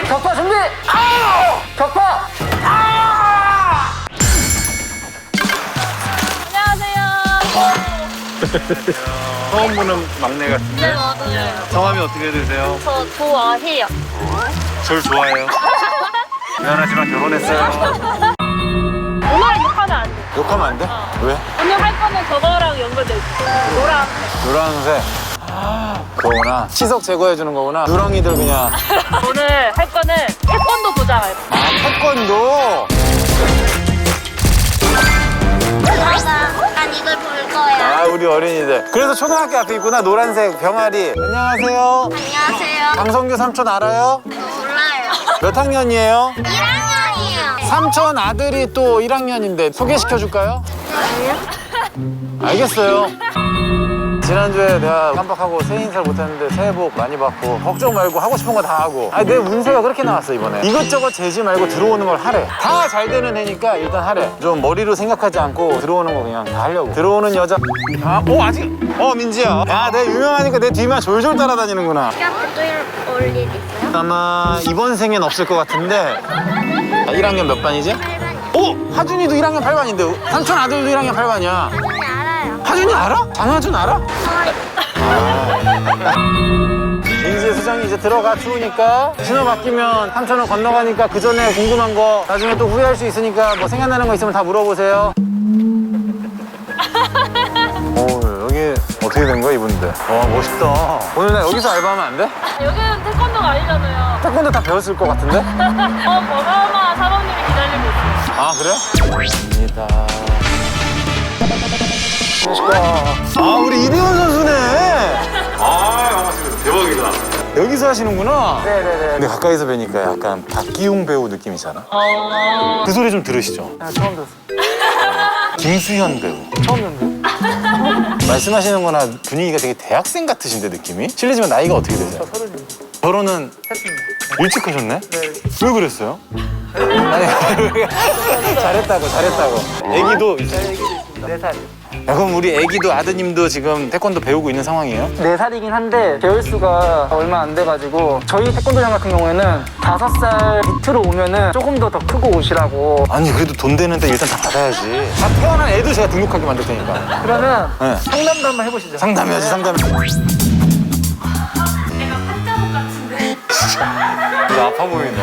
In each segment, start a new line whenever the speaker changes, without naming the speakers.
격파 준비! 아! 격파! 아!
안녕하세요.
처음 보는 막내 같은데?
네, 맞아요.
성함이 어떻게 되세요?
저 좋아해요.
절 좋아해요. 미안하지만 결혼했어요.
오늘 욕하면 안 돼.
욕하면 안 돼? 왜?
오늘 할 거는 저거랑 연결돼 있어. 노랑.
노란색. 그거구나. 치석 제거해주는 거구나. 누렁이들 그냥.
오늘 할 거는 태권도 도장할 거.
아, 태권도?
난 이걸 볼 거야.
아, 우리 어린이들. 그래서 초등학교 앞에 있구나. 노란색 병아리. 안녕하세요.
안녕하세요.
강성규 삼촌 알아요?
몰라요.
몇 학년이에요?
1학년이에요.
삼촌 아들이 또 1학년인데 소개시켜줄까요? 알겠어요. 지난주에 내가 깜빡하고 새해 인사를 못했는데 새해 복 많이 받고 걱정 말고 하고 싶은 거 다 하고. 아니 내 운세가 그렇게 나왔어 이번에. 이것저것 재지 말고 들어오는 걸 하래. 다 잘 되는 애니까 일단 하래. 좀 머리로 생각하지 않고 들어오는 거 그냥 다 하려고. 들어오는 여자. 아직? 민지야. 야, 내 유명하니까 내 뒤만 졸졸 따라다니는구나.
또 올일 있어요?
아마 이번 생엔 없을 것 같은데. 1학년 몇 반이지?
8반이요.
하준이도 1학년 8반인데 삼촌 아들도 1학년 8반이야.
네, 알아요.
하준이 알아? 장하준 알아? 민지의 수정이 이제 들어가 추우니까 신호 바뀌면 삼촌은 건너가니까 그 전에 궁금한 거 나중에 또 후회할 수 있으니까 뭐 생각나는 거 있으면 다 물어보세요. 오, 여기 어떻게 된 거야 이분들? 와 멋있다. 오늘 나 여기서 알바하면 안 돼?
여기는 태권도가 아니잖아요.
태권도 다 배웠을 것 같은데?
어마어마한 사범님이 기다리고 있어요.
아 그래? 입니다. 우리 이대원 선수네. 반갑습니다. 대박이다. 여기서 하시는구나.
네네네.
근데 가까이서 뵈니까 약간 박기용 배우 느낌이잖아. 그 소리 좀 들으시죠?
처음 들었어.
김수현 배우.
처음 듣는데?
말씀하시는 거나 분위기가 되게 대학생 같으신데 느낌이? 실례지만 나이가 어떻게 되세요?
저 30년.
결혼은
했습니다.
일찍 하셨네?
네.
왜 그랬어요? 아니 잘했다고. 애기도 있어요?
네, 얘기도 있습니다. 4살.
야, 그럼 우리 애기도 아드님도 지금 태권도 배우고 있는 상황이에요?
4살이긴 한데 배울 수가 얼마 안 돼가지고 저희 태권도장 같은 경우에는 5살 밑으로 오면은 조금 더 크고 오시라고.
아니 그래도 돈 되는데 일단 다 받아야지. 다 태어난 애도 제가 등록하게 만들 테니까.
그러면
네.
상담도 한번 해보시죠.
상담해야지 상담. 진짜 아파 보이네.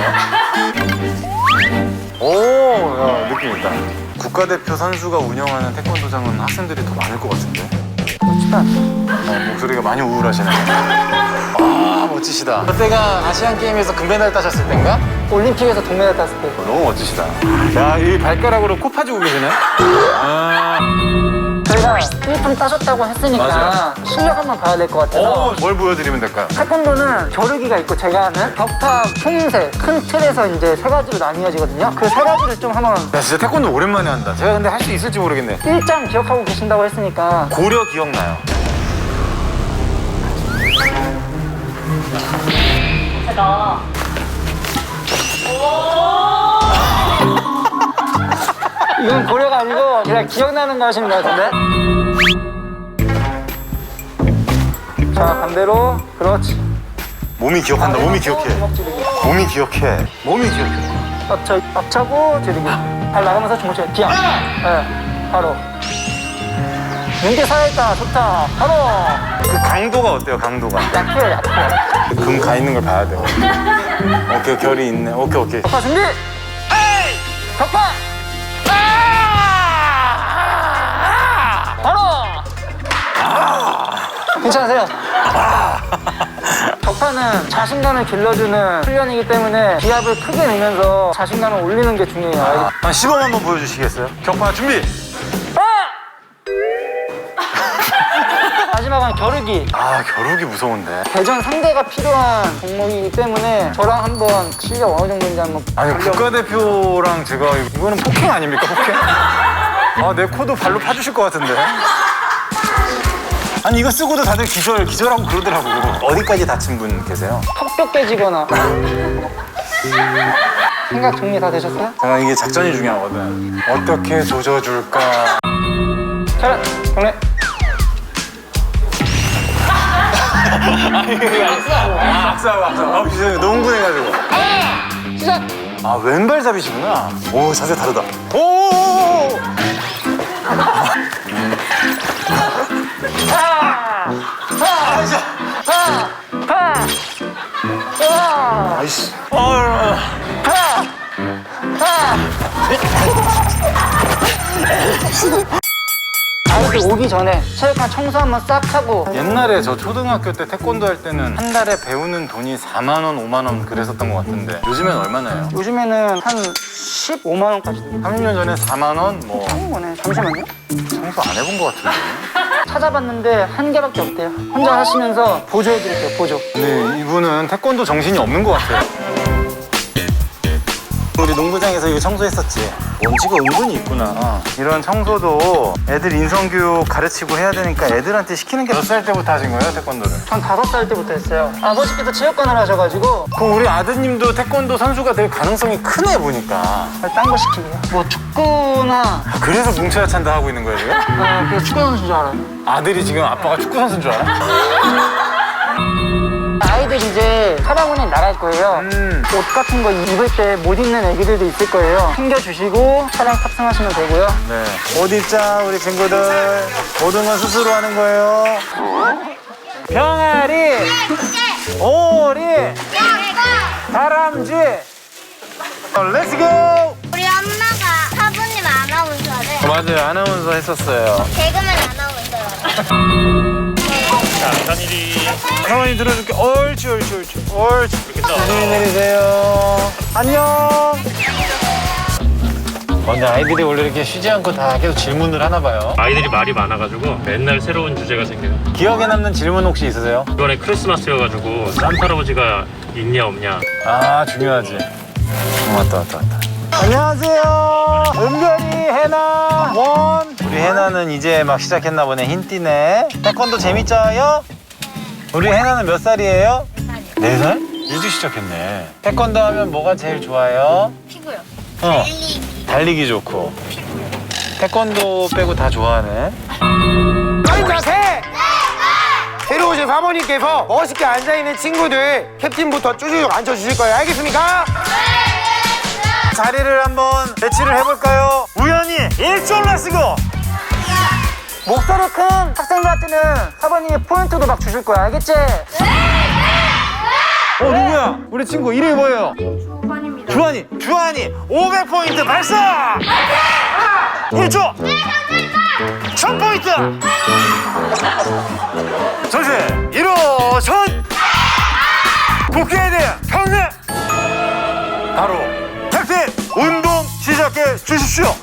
오, 야, 느낌 있다. 국가대표 선수가 운영하는 태권도장은 학생들이 더 많을 것 같은데.
멋지다.
목소리가 많이 우울하시네. 아, 멋지시다. 그때가 아시안 게임에서 금메달 따셨을 땐가?
올림픽에서 동메달 땄을 때.
너무 멋지시다. 야, 이 발가락으로 코 파주고 계시네. 아,
저희가 1등 따셨다고 했으니까
맞아요.
실력 한번 봐야 될 것 같아서.
뭘 보여드리면 될까요?
태권도는 겨루기가 있고 제가 하는 격파, 풍세, 큰 틀에서 이제 3가지로 나뉘어지거든요. 그 3가지를 좀 한번
야, 진짜 태권도 오랜만에 한다. 제가 근데 할 수 있을지 모르겠네.
1장 기억하고 계신다고 했으니까
고려 기억나요?
제가
이건 고려가 아니고 그냥 기억나는 거 하시는 것 같은데? 자, 반대로. 그렇지.
몸이 기억한다. 몸이 기억해.
주먹 찌르기.
몸이 기억해. 몸이 기억해.
앞차고 찌르기. 발 나가면서 주먹 찌르기. 기억. 네, 바로. 눈게 살아있다. 좋다. 바로.
그 강도가 어때요? 강도가.
약해요, 약해.
금 가 있는 걸 봐야 돼. 오케이, 결이 있네. 오케이.
격파 준비! 에이! 격파! 바로! 괜찮으세요? 격파는 자신감을 길러주는 훈련이기 때문에 기압을 크게 내면서 자신감을 올리는 게 중요해요.
한 시범 한번 보여주시겠어요? 격파 준비!
마지막은 겨루기.
아, 겨루기 무서운데.
대전 상대가 필요한 종목이기 때문에 저랑 한번 실력 어느 정도인지 한번
아니,
보려고.
국가대표랑 제가 이거는 폭행 아닙니까, 폭행? 아, 내 코도 발로 파주실 것 같은데. 아니, 이거 쓰고도 다들 기절하고 그러더라고. 어디까지 다친 분 계세요?
턱뼈 깨지거나. 생각 정리 다 되셨어요?
제가 이게 작전이 중요하거든. 어떻게 조져줄까?
차렷, 경례.
악수하고. 너무 흥분해가지고. 아, 왼발잡이시구나. 오, 자세 다르다. 오! 아이씨.
아이들 오기 전에 체육관 청소 한번 싹 하고.
옛날에 저 초등학교 때 태권도 할 때는 한 달에 배우는 돈이 4만 원, 5만 원 그랬었던 것 같은데 요즘엔 얼마나요?
요즘에는 한 15만 원까지 됩니다.
30년 전에 4만 원? 뭐
거네. 잠시만요.
청소 안 해본 것 같은데.
찾아봤는데 한 개밖에 없대요. 혼자 하시면서 보조해드릴게요, 보조.
근데 이분은 태권도 정신이 없는 것 같아요. 우리 농구장에서 이거 청소했었지. 먼지가 은근히 있구나. 이런 청소도 애들 인성교육 가르치고 해야 되니까 애들한테 시키는 게 몇 살 때부터 하신 거예요, 태권도를?
전 5살 때부터 했어요. 아버지께서 체육관을 하셔가지고
그럼 우리 아드님도 태권도 선수가 될 가능성이 크네, 보니까.
딴 거 시키고요. 뭐 축구나
그래서 뭉쳐야 찬다 하고 있는 거예요, 지금?
그래서 축구 선수인 줄 알아요.
아들이 지금 아빠가 축구 선수인 줄 알아?
아이들 이제 사방운에 나갈 거예요. 옷 같은 거 입을 때 못 입는 애기들도 있을 거예요. 챙겨주시고 차량 탑승하시면 되고요.
네. 옷 입자, 우리 친구들. 모든 건 스스로 하는 거예요. 병아리, 오리, 다람쥐. 렛츠고!
우리 엄마가 사부님 아나운서를
맞아요, 아나운서 했었어요.
개그맨 아나운서라고.
사모님 들어줄게. 옳지, 옳지, 옳지. 옳지. 조심히 내리세요. 안녕. 근데 아이들이 원래 이렇게 쉬지 않고 다 계속 질문을 하나 봐요.
아이들이 말이 많아가지고 맨날 새로운 주제가 생겨요.
기억에 남는 질문 혹시 있으세요?
이번에 크리스마스여가지고 산타 할아버지가 있냐 없냐.
아, 중요하지. 왔다. 안녕하세요. 은별이, 해나, 원. 우리 해나는 이제 막 시작했나 보네. 흰띠네. 태권도 재밌죠요? 우리 해나는 몇 살이에요? 4살? 일찍 시작했네. 태권도 하면 뭐가 제일 좋아요?
피고요.
달리기 좋고. 태권도 빼고 다 좋아하네.
빠른 자세! 새로 오신 사모님께서 멋있게 앉아있는 친구들 캡틴부터 쭈쭈쭈 앉혀주실 거예요. 알겠습니까?
자리를 한번 배치를 해볼까요? 우연히 일종 렛츠고!
목소리 큰 학생들한테는 사모님이 포인트도 막 주실 거야. 알겠지?
누구야? 우리 친구 이름이 뭐예요? 주환이. 주환이 500포인트 발사! 1초! 1000포인트! 전세! 일어선! 복귀해야 돼! 평내! 바로 캡틴! 운동 시작해 주십시오!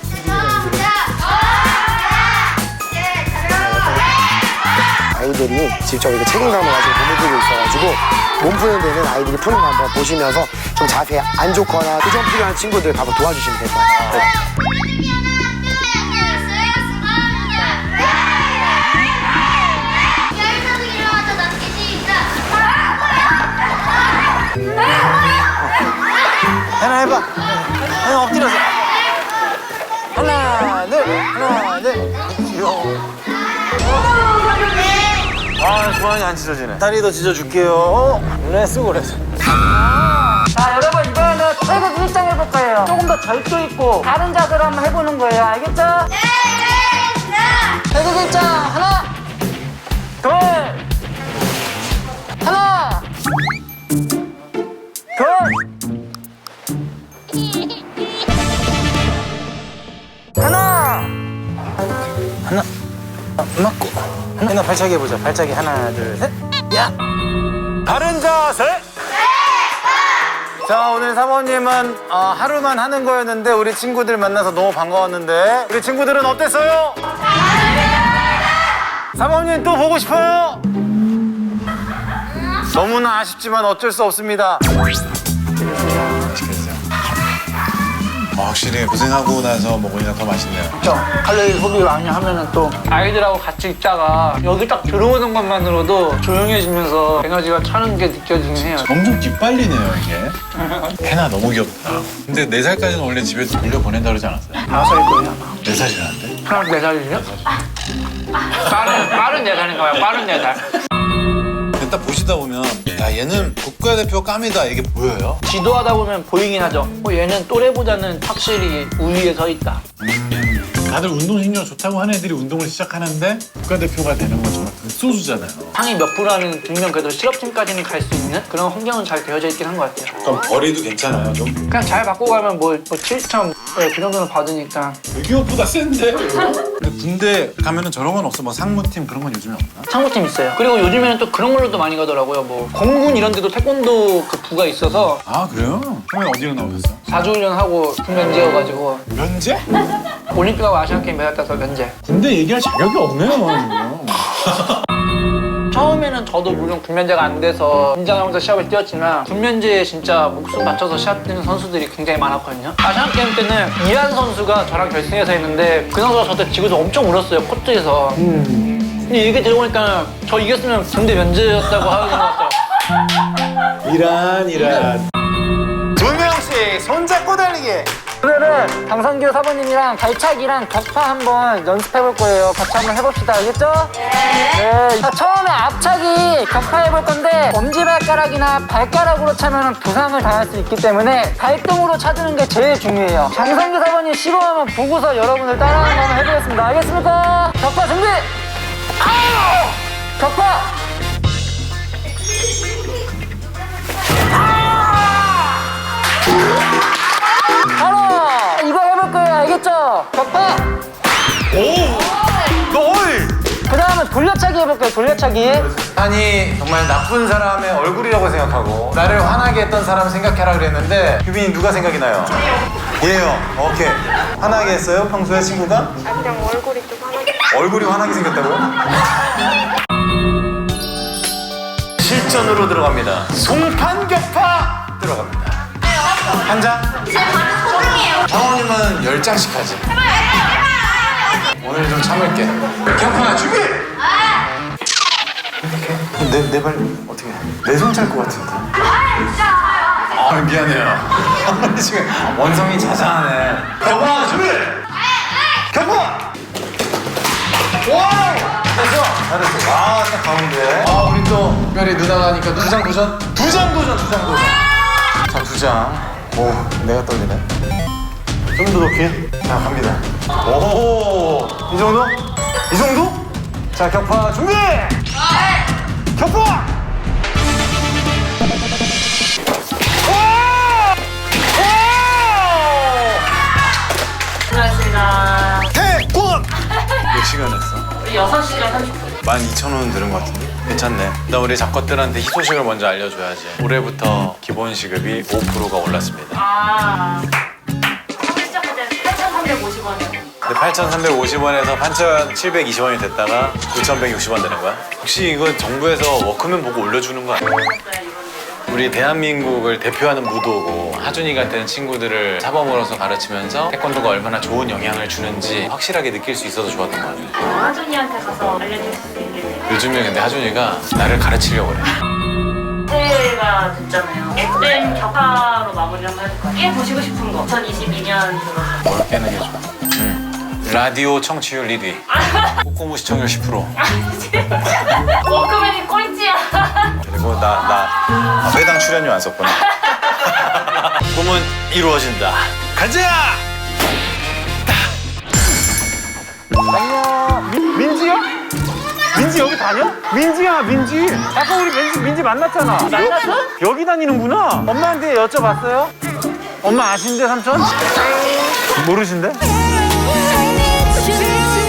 아이들이 직접 이렇게 책임감을 가지고 몸을 풀고 있어가지고 몸 푸는 데는 아이들이 푸는 거 한번 보시면서 좀 자세 안 좋거나 교정 필요한 친구들 가서 도와주시면 될 것 같아요.
하나 해봐. 하나 엎드려서. 하나, 둘. 귀여워. 아, 주환이 안 찢어지네. 다리도 찢어줄게요. 렛츠고.
자, 여러분 이번에는 태극 일장 해볼 거예요. 조금 더 절도 있고 다른 자세로 한번 해보는 거예요. 알겠죠? 태극 일장 하나, 둘, 하나, 둘. 하나.
맞고. 하나 발차기 해보자. 발차기 하나, 둘, 셋. 야. 바른 자세. 자, 오늘 사모님은 하루만 하는 거였는데 우리 친구들 만나서 너무 반가웠는데 우리 친구들은 어땠어요? 사모님 또 보고 싶어요? 너무나 아쉽지만 어쩔 수 없습니다. 확실히 고생하고 나서 먹으니까 더 맛있네요.
그렇죠. 칼로리 소비 많이 하면은 또 아이들하고 같이 있다가 여기 딱 들어오는 것만으로도 조용해지면서 에너지가 차는 게 느껴지긴 해요.
엄청 기빨리네요 이게. 해나 너무 귀엽다. 근데 4살까지는 원래 집에서 돌려보낸다 그러지 않았어요?
5살일 거예요 아마.
4살이라는데?
하나 4살이요? 빠른 4살인가 봐요. 빠른 4살.
딱 보시다 보면 야 얘는 국가대표 깜이다 이게 보여요?
지도하다 보면 보이긴 하죠. 얘는 또래보다는 확실히 우위에 서 있다.
다들 운동신경 좋다고 하는 애들이 운동을 시작하는데 국가대표가 되는 건 정말 극소수잖아요.
상위 몇 프로라는 분명 그래도 실업팀까지는 갈 수 있는 그런 환경은 잘 되어져 있긴 한 것 같아요.
그럼 거리도 괜찮아요 좀?
그냥 잘 받고 가면 뭐 7점 그 정도는 받으니까.
외교업보다 센데? 근데 군대 가면은 저런 건 없어? 뭐 상무팀 그런 건 요즘에 없나?
상무팀 있어요. 그리고 요즘에는 또 그런 걸로도 많이 가더라고요. 뭐 공군 이런 데도 태권도 그 부가 있어서
아 그래요? 형은 어디로 나오셨어?
4주 훈련하고 군면제여가지고
면제?
올림픽하고 아시안게임 메달 따서 면제.
군대 얘기할 자격이 없네요 이거.
처음에는 저도 물론 군면제가 안 돼서 긴장하면서 시합을 뛰었지만 군면제에 진짜 목숨 바쳐서 시합 뛰는 선수들이 굉장히 많았거든요. 아시안게임 때는 이한 선수가 저랑 결승에서 했는데 그 선수가 저한테 지고서 엄청 울었어요, 코트에서. 근데 얘기 들어보니까 저 이겼으면 군대 면제였다고 하는 것 같더라고요.
이란. 2명씩 손잡고 달리기.
오늘은 강성규 사부님이랑 발차기랑 격파 한번 연습해볼 거예요. 같이 한번 해봅시다. 알겠죠? 네. 자, 처음에 앞차기 격파해볼 건데 엄지발가락이나 발가락으로 차면 부상을 당할 수 있기 때문에 발등으로 차주는 게 제일 중요해요. 강성규 사부님 시범 한번 보고서 여러분들 따라하는 거 한번 해보겠습니다. 알겠습니까? 격파 준비! 격파! 바로 이거 해볼 거예요. 알겠죠? 격파! 그 다음은 돌려차기 해볼게요. 돌려차기.
아니 정말 나쁜 사람의 얼굴이라고 생각하고 나를 화나게 했던 사람 생각해라 그랬는데 규빈이 누가 생각이 나요? 얘요. 오케이. 화나게 했어요? 평소에 친구가?
그냥 얼굴이 좀 화나게.
얼굴이 화나게 생겼다고요? 실전으로 들어갑니다. 송판격파 들어갑니다. 한 장? 장원님은 10장씩 하지. 오늘 좀 참을게. 격파 준비! 내 발 어떻게 해? 내 손 찰 것 같은데. 아 미안해요. 지금 원성이 자자하네. 격파 준비! 격파! 와! 됐어. 잘했어. 아, 딱 가운데. 아, 우리 또 특별히 누나가 하니까 2장 도전? 2장 도전. 자, 2장. 오, 내가 떨리네. 좀 더 높이. 자, 갑니다. 오, 이 정도? 이 정도? 자, 격파 준비! 격파!
수고하셨습니다.
태권! 몇 시간 했어?
우리 6시간 30분.
12,000원 들은 것 같은데? 괜찮네. 일단 우리 작것들한테 희소식을 먼저 알려줘야지. 올해부터 기본 시급이 5%가 올랐습니다.
아. 처음 시작할 때 8,350원이요.
근데 8,350원에서 8,720원이 됐다가 9,160원 되는 거야? 혹시 이거 정부에서 워크맨 보고 올려주는 거 아니야? 우리 대한민국을 대표하는 무도고 하준이 같은 친구들을 사범으로서 가르치면서 태권도가 얼마나 좋은 영향을 주는지 확실하게 느낄 수 있어서 좋았던 것 같아요.
하준이한테 가서 알려줄 수 있겠네요.
요즘에 근데 하준이가 나를 가르치려고 그래.
새해가 됐잖아요. FM 격파로 마무리 한번 해볼까요? 깨 보시고 싶은 거. 2022년 들어서.
뭘 깨는 게 좋아? 라디오 청취율 1위. 꼬꼬무 시청률 10%.
워크맨이 꼴찌야.
그리고 나 회당 출연료 안 썼구나. 꿈은 이루어진다. 가자!
안녕. 민지야? 민지 여기 다녀? 민지야, 민지. 아까 우리 민지 만났잖아. 만났어? 여기 다니는구나. 엄마한테 여쭤봤어요? 엄마 아신대, 삼촌? 모르신대?